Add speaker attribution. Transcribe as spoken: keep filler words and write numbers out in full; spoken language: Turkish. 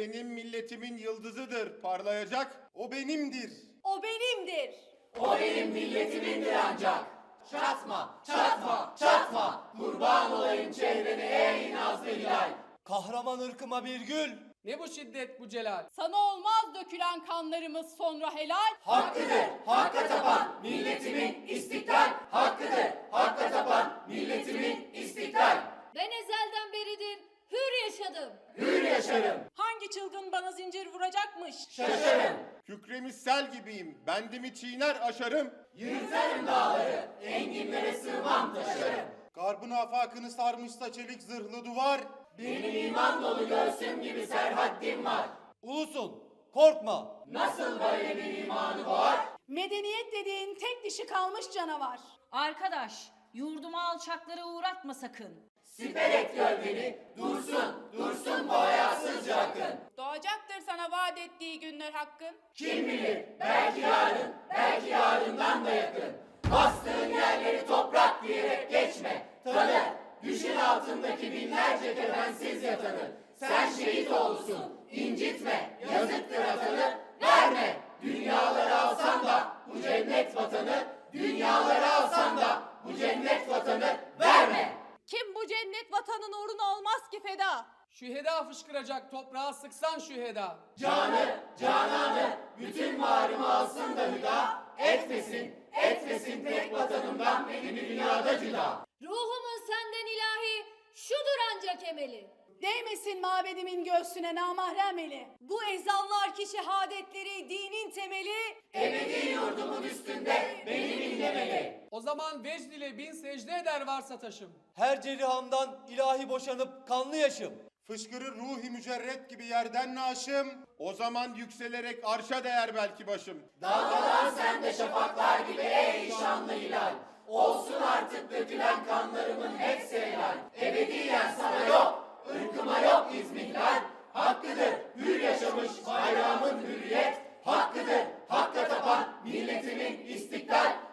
Speaker 1: benim milletimin yıldızıdır, parlayacak. O benimdir.
Speaker 2: O benimdir.
Speaker 3: O benim milletimindir ancak. Çatma, çatma, çatma. Kurban olayım çehrene ey nazlı hilal.
Speaker 4: Kahraman ırkıma bir gül.
Speaker 5: Ne bu şiddet bu celal?
Speaker 2: Sana olmaz dökülen kanlarımız sonra helal.
Speaker 3: Hakkıdır, hakka tapan milletimin istiklal. Hakkıdır, hakka tapan milletimin istiklal.
Speaker 6: Ben ezelden beridir hür yaşadım.
Speaker 3: Hür yaşarım,
Speaker 2: Hangi çılgın bana zincir vuracakmış?
Speaker 3: şaşarım.
Speaker 1: Kükremiş sel gibiyim, bendimi çiğner aşarım.
Speaker 3: Yırtarım dağları, enginlere sığmam taşarım.
Speaker 1: Garbın afakını sarmışsa çelik zırhlı duvar.
Speaker 3: Benim iman dolu göğsüm gibi serhaddim var.
Speaker 4: Ulusun, korkma.
Speaker 3: Nasıl böyle bir imanı var?
Speaker 2: Medeniyet dediğin tek dişi kalmış canavar.
Speaker 7: Arkadaş, yurduma alçakları uğratma sakın.
Speaker 3: Siper et gölgeni, dursun, dursun bu hayasızca akın.
Speaker 2: Doğacaktır sana vaat ettiği günler hakkın.
Speaker 3: Kim bilir, belki yarın, belki yarından da yakın. Bastığın yerleri toprak diyerek geçme, tanı. Düşün altındaki binlerce kefensiz yatanı. Sen şehit olsun, incitme, yazıktır atanı, verme. Dünyaları alsan da bu cennet vatanı, dünyaları alsan da bu cennet vatanı verme.
Speaker 2: Kim bu cennet vatanın uğruna olmaz ki feda?
Speaker 5: Şüheda fışkıracak toprağa sıksan şüheda.
Speaker 3: Canı, cananı, bütün varımı alsın da hüda, etmesin, etmesin tek vatanımdan beni dünyada cüda.
Speaker 6: Ruhumun senden ilahi şudur ancak emeli.
Speaker 2: Değmesin mabedimin göğsüne namahrem eli. Bu ezanlar ki şehadetleri dinin temeli.
Speaker 3: Ebedi yurdumun üstünde beni billemeli.
Speaker 5: O zaman vecd ile bin secde eder varsa taşım.
Speaker 4: Her cerihamdan ilahi boşanıp kanlı yaşım.
Speaker 1: Fışkırır ruhi mücerret gibi yerden naşım. O zaman yükselerek arşa değer belki başım.
Speaker 3: Dalgalan sen de şafaklar gibi ey şanlı hilal. Olsun artık dökülen kanlarımın hepsi helal. Ebediyen sana yok, ırkıma yok izmihlal. Hakkıdır hür yaşamış bayrağımın hürriyet. Hakkıdır hakka tapan milletimin istiklal.